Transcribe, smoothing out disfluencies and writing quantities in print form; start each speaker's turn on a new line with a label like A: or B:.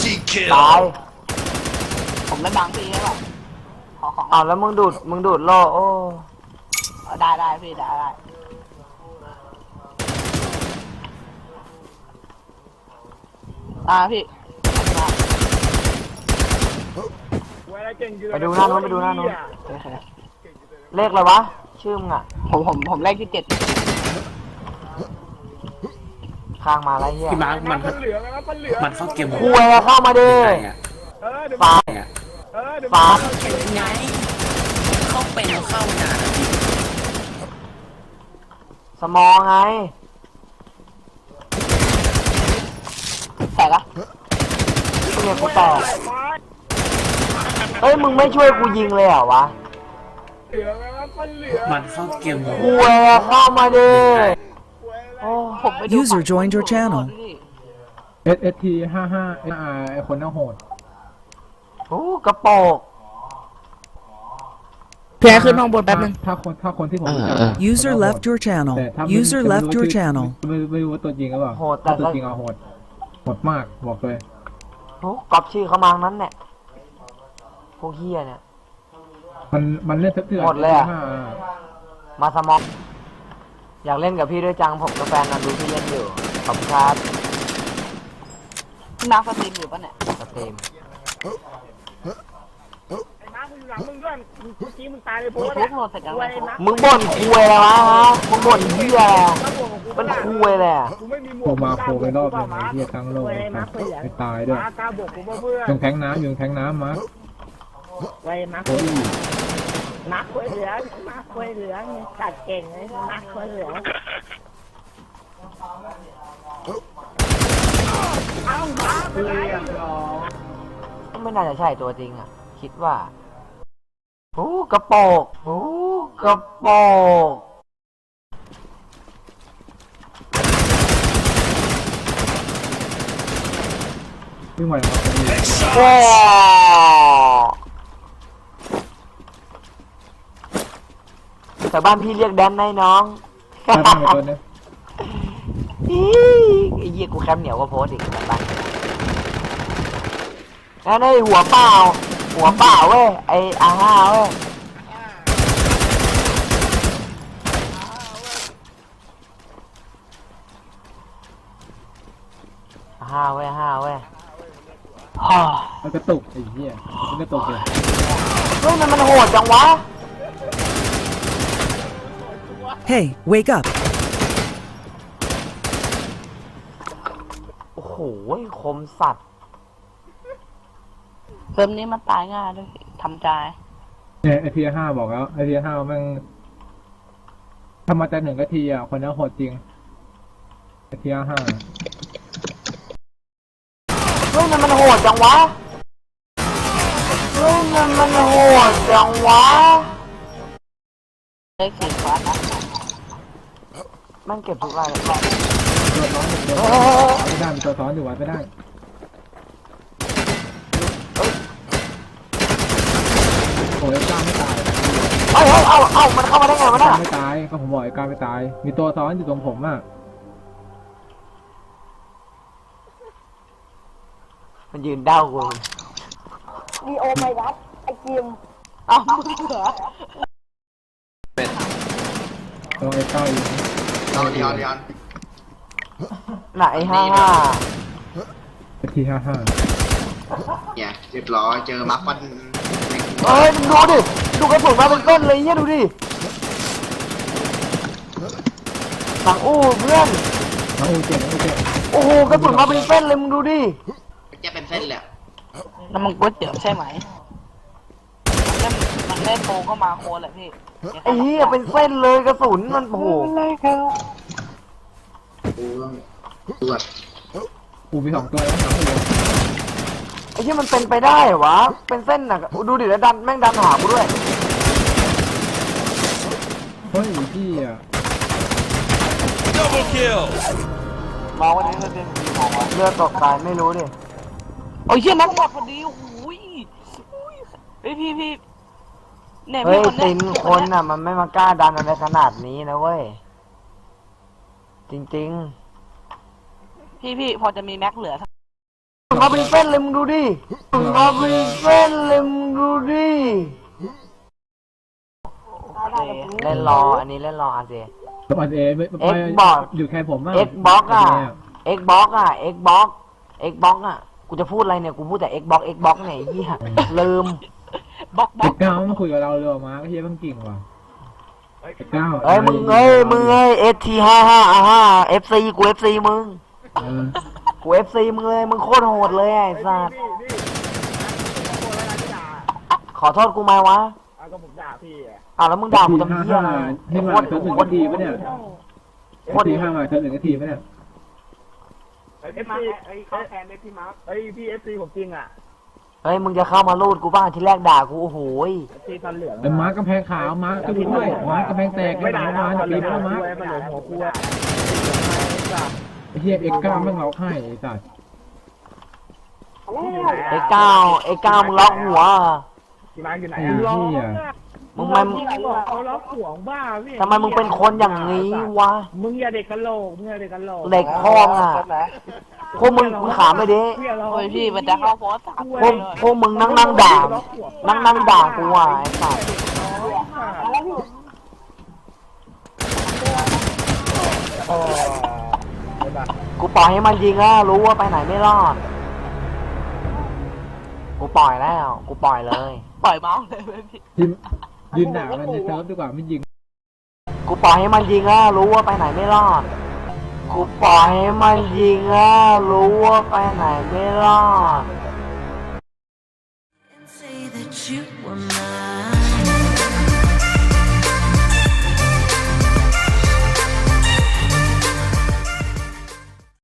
A: ตาย
B: ผมไม่บังพี่ใช่ป่ะขอของ
A: อ้าวแล้วมึงดูดโล่โอ้
B: ได้พี่ได้พี่
A: ไปดูหน้านู้นโอเคเลขอะไรวะชื่อมึงอ่ะ
B: ผมเลขที่ 7
A: ข้างมาอะไรเงี้ย
C: พี่มาร์คมันเข้าเกม
A: คุยเข้ามาดิ
C: ไงอ่ะ
A: ฟ้า
C: อ่ะ
A: ฟ้า
C: ไงเข้าเป็นเข้านาน
A: สมองไง
B: แต่ละ
A: เนี่ยกูแตกเฮ้ยมึงไม่ช่วยกูยิงเลยเหรอวะ
C: มันเข้าเกม
A: คุยเข้ามาดิโอ้
B: ผมไปดู
D: User joined your channel
E: ST 55 SR ไอคนน่าโหด
A: โหกระโปก
B: แพ้ขึ้นห้องบนแป๊บนึง
E: ถ้าคนที่ผมรู้จัก
D: User left your channel.
E: แต่ถ้า
D: User left your channel.
E: ไม่รู้ว่าตัวจริงหรือเปล่า
A: โหดแต่
E: ถ้าตัวจริงเอาโหดมากบอกเลย
A: โหก๊อปชื่อเขามานั้นเนี่ยพวกเฮียเนี่ย
E: มันเล่นเถื่อน
A: หมดเลยอะ
E: 55
A: มาสมองอยากเล่นกับพี่ด้วยจังผมกับแฟนนันดูพี่เล่นอยู่ขอบคุณครับ
B: น้ำสตรีมอยู่ปะเนี่ย
A: สตรีม
B: โอ้ยโหลดเสร็จแล้ว
A: มึงบ่นคุยอะไรวะฮะมึงบ่นเฮียอะไรอะมันคุยเลยอะ
E: ผมมาโคไปรอบหนึงไอ้เหี้ยทั้งโลกไปตายด้วยยังแทงน้ำยังแทงน้ำมา
F: ไว้มัก
E: โอ้ย
F: มักควยเหลืองมักควยเหลืองตัดเก่งเลยมักควยเหลือง
A: ไม่น่าจะใช่ตัวจริงอ่ะ คิดว่าโอ้กระโปกโอ้กระโปก
E: วิ่งไหวครับ
A: ว้าแต่บ้านพี่เรียกแดนให้น้อง
E: ถ้าตั้งตัวเนี้ย
A: อีไอ้เหี้ยกูแคมเหนียวก็โพสต์อีกแบบบ้านนั่นไอ้หัวเปล่าเว้ยไอ้อาห้าเว้ยห้าเว้ยฮ่า
E: มันกระตุกไอ้เหี้ยมันกระตุกเลย
A: เฮ้ยมันโหดจังวะ
D: Hey, wake up.
A: โอ้โหคมสัตว์
B: เพิ่มนี้มันตายง่ายด้วยทำใจ
E: เนี่ยไอที5บอกแล้วไอที5แม่งทำมาแต่1 นาทีอ่ะคนนั้นโหดจริงไอที5
A: เฮ้ยมันโหดจังวะเฮ้ยมันโหดจังวะ
B: เลข4คลาสนะ
A: มันเก็บทุกรายเลย
E: ตัวซ้อนอยู่ไม่ได้มีตัวซ้อนอยู่วัดไม่ได้โอ้ยกล้าไม่ตาย
A: เอามันเข้ามาได้ไงวะ
E: กล้า
A: น่ะ
E: ไม่ตายก็ผมบอกไอ้กล้าไม่ตายมีตัวซ้อนอยู่ตรงผมอ่ะ
A: มันยืนเด้ากู
F: มีโอไปวัดไอ้กิม
B: เอ้ามึงเหรอ
E: ตัวไอ้ก้าอยู่
G: เอาเดียว
A: ไหนห้า
E: ไอที55
G: เนี่ยเรียบร้อยเจอมักมัน
A: เอ้ยมึงดูดิดูกระสุนมาเป็นต้นเลยเนี่ยดูดิสั่งอู้เพื่อน
E: น้องอูเจ็บน้องอูเจ็บ
A: โอ้โหกระสุนมาเป็นเส้นเลยมึงดูดิ
G: จะเป็นเส้นแหละ
B: น้ำมันก๋วยเตี๋ยวใช่ไหมมันเล่นโปก็มาโคแหละพี่
A: ไอ้เหี้ยเป็นเส้นเลยกระสุนมันโอ้โห
G: กูตรวจ
E: อูมี2 ตัวแล้วน้องอู
A: ไอ้เหี้ยมันเป็นไปได้เหรอวะเป็นเส้นน่ะดูดิแล้วดันแม่งดันหากูด้วย
E: เฮ้ยพี่อ่ะ
A: มองวันนี้มันเป็นมองวะเลือดตกตายไม่รู้ดิ
B: โอ้ยเชี่ยนักหมดพอดีโอ้ยเฮ้ยพี่เนี่ย
A: เฮ้
B: พี่
A: ย
B: คน
A: ติ
B: เนี้
A: นคนน่ะมันไม่มากล้าดันอะไรขนาดนี้นะเว้ยจริงๆ
B: พี่พอจะมีแม็กเหลือ
A: มึงมาเป็นเส้นเลยมึงดูดิมึงมาเป็นเส้นเลยมึงดูดิ เล่นรอ อันนี้เล่นรออาเจ
E: กับอันเอไม่
A: Xbox
E: อยู่แค่ผมมาก
A: Xbox อ่ะ Xbox อ่ะ Xbox อ่ะ กูจะพูดอะไรเนี่ย กูพูดแต่ Xbox เนี่ยไอ้เหี้ยลืม
B: บล็อกบล็
E: เด็
B: อก
E: กเก้ามาคุยกับเราเลยมาก็เฮียเพิ่งกิ่งว่ะเด็กเก้า
A: เอ้ยมึงST55 FC กู FC มึง
E: เออ
A: กู FC มึงเลย มึงโคตรโหดเลยไอ้สัสขอโทษกูไหมวะ
F: ก็ผมด่าพี่อ่ะ
A: อ้าวแล้วมึงด่ากูทำเหี้ยอะไร
E: นี่มาเซิร์ฟหนึ่งนาทีปะเนี่ยST5 มาเซิร์ฟหนึ่งนาทีปะเนี่ย
F: เข้าแทนได้พี่มาร์คพี่FC ผมจริงอ่ะ
A: เฮ้ยมึงจะเข้ามาลูดกูบ้างที่แรกด่ากูโอ้โหย
F: ที่ทันเหลือง
E: เป็นม้ากำแพงขาวม้าก็ด้วยม้ากำแพงแตก
F: ไม่
E: ไม่
F: ด่า
E: ด่า
F: นะ
E: มา
F: ทันเหลื
E: ปี
F: อง
E: แล้วม้า
F: มันเหลืองหัวคู่อ่ะ
E: ไอ้เฮียX9แม่งเราให้ไอ้สัตว์
A: ไอ้เก้ามึงล็อกหัว
F: พี่มาร์คอยู่ไหน
E: ไอ้
F: อ่ะ
E: เฮีย
A: มึงมัน
F: เขาล็อกห่วงบ้าพี่
A: ทำไมมึงเป็นคนอย่างนี้วะ
F: มึงอย่าเด็กกะโหลกมึงอย่าเด็กกะโหลก
A: เด็กพ่ออ่ะพวกมึงขามไปดิ
B: โอ้ยพี่มันจะเข้าโพสต์3
A: พวกมึงนั่งด่านั่งด่ากูอ่ะไอ้สัสกูปล่อยให้มันยิงแล้วรู้ว่าไปไหนไม่รอด กูปล่อยแล้ว กูปล่อยเลย
B: ปล่อยเมาส์เลยพี่
E: ทีมยืนด่ามันในเซิร์ฟดีกว่าไม่ยิง
A: กูปล่อยให้มันยิงแล้วรู้ว่าไปไหนไม่รอด กูปล่อยให้มันยิงแล้วรู้ว่าไปไหนไม่รอด
H: and say that you were mine.